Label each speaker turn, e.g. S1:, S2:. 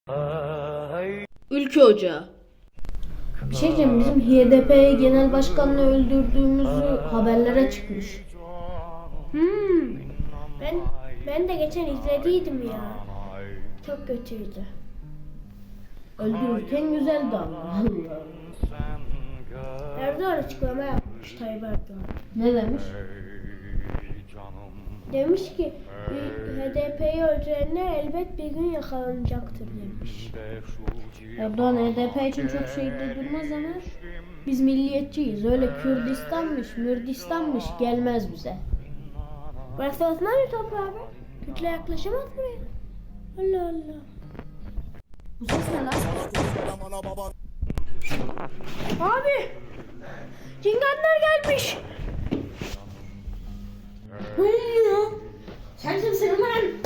S1: Ülke Ocağı.
S2: Bir şey diyeceğim, bizim HDP genel başkanını öldürdüğümüzü haberlere çıkmış.
S3: Ben de geçen izlediydim ya. Çok kötüydü.
S2: Öldürürken güzeldi ama.
S3: Erdoğan açıklama yapmış, Tayyip Erdoğan.
S2: Ne demiş?
S3: Demiş ki HDP'yi öldürenler elbet bir gün yakalanacaktır demiş.
S2: Erdoğan HDP için çok şey de durmaz ama biz milliyetçiyiz. Öyle Kürdistanmış, Mürdistanmış gelmez bize.
S3: Burası Osmanlı toprağı be. Türkler yaklaşamaz buraya. Allah Allah.
S2: Bu ses ne lan?
S3: Abi! Cinganlar gelmiş.
S2: Ne oluyor? Sen kimsin lan?